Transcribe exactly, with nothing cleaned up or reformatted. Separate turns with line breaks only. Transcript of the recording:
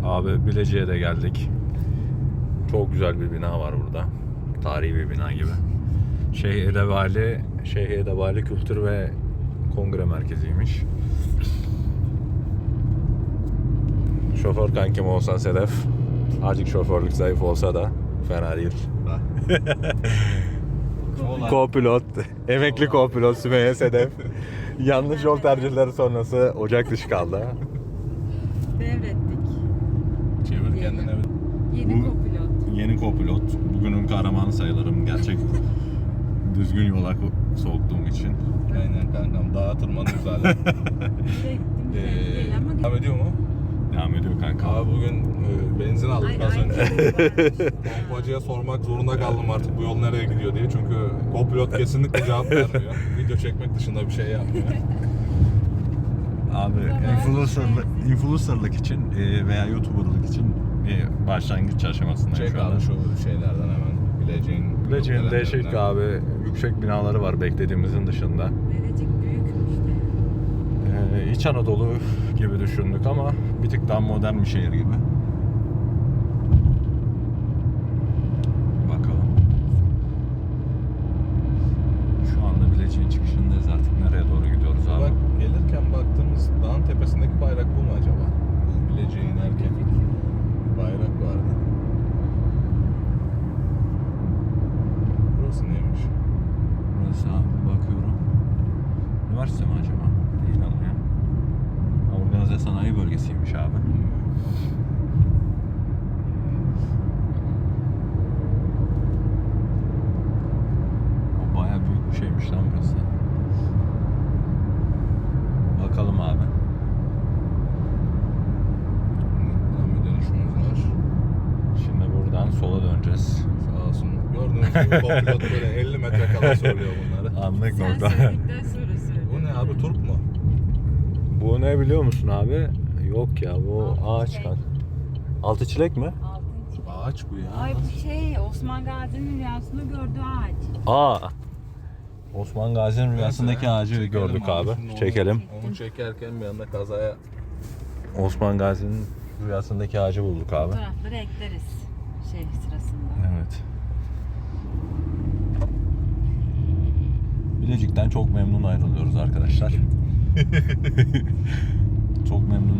Abi Bilecik'e de geldik. Çok güzel bir bina var burada. Tarihi bir bina gibi. Şeyh Edebali, Şeyh Edebali Kültür ve Kongre Merkezi'ymiş. Şoför kankim olsan Sedef. Azıcık şoförlük zayıf olsa da fena değil. Co-pilot, emekli co-pilot Sümeyye Sedef. Yanlış yol tercihleri sonrası ocak dışı kaldı.
Devrettik.
Çevir
Yeni.
kendine.
Yeni
Bu-
kopilot.
Yeni co-pilot. Bugünün kahramanı sayılırım. Gerçek düzgün yola soktuğum için.
Aynen kankam, dağa tırmanıyoruz hala.
Direkt değil ama
Devam ediyor mu?
Devam ediyor kanka.
Abi bugün e, benzin aldık
Ay,
az
ay,
önce.
ay.
Pompacıya sormak zorunda kaldım artık bu yol nereye gidiyor diye. Çünkü co-pilot kesinlikle cevap vermiyor. Video çekmek dışında bir şey yapmıyor.
Abi influencerlık, influencerlık için e, veya YouTuber'lık için bir başlangıç aşamasındayım
Çek
şu anda.
abi şu şeylerden hemen. Bileceğin.
Bilecik'in değişik abi yüksek binaları var beklediğimizin dışında.
Verecik büyükmüş de.
Ee, İç Anadolu gibi düşündük ama bir tık daha modern bir şehir gibi. Bakalım. Şu anda Bilecik'in çıkışındayız, artık nereye doğru gidiyoruz abi?
Bak gelirken baktığımız dağın tepesindeki bayrak bu mu acaba? Bileceğe inerken bayrak vardı. Burası neymiş?
Burası abi, bakıyorum. Üniversite mi acaba? Değil ama ya. Organize sanayi bölgesiymiş abi. O bayağı büyük bir şeymiş lan burası. Bakalım abi.
Buradan bir dönüşümüz var.
Şimdi buradan sola döneceğiz.
Sağ olsun. Gördüğünüz gibi co-pilot böyle elli metre kala söylüyor bunları.
Anlık
Sen
nokta.
söyledikten sonra söyle.
Bu ne abi, turp mu?
Bu ne biliyor musun abi? Yok ya, bu
Altı
ağaç
çilek.
kan. Altı çilek mi?
Altıncı.
Ağaç bu ya.
Ay bu şey Osman Gazi'nin rüyasında gördüğü ağaç.
Aa. Osman Gazi'nin rüyasındaki
Neyse,
ağacı
çekelim
gördük abi.
Şimdi onu-
Çekelim.
Onu çekerken bir anda kazaya
Osman Gazi'nin rüyasındaki ağacı bulduk abi.
Fotoğrafları ekleriz şey sırasında.
Evet. Bilecik'ten çok memnun ayrılıyoruz arkadaşlar. Çok memnun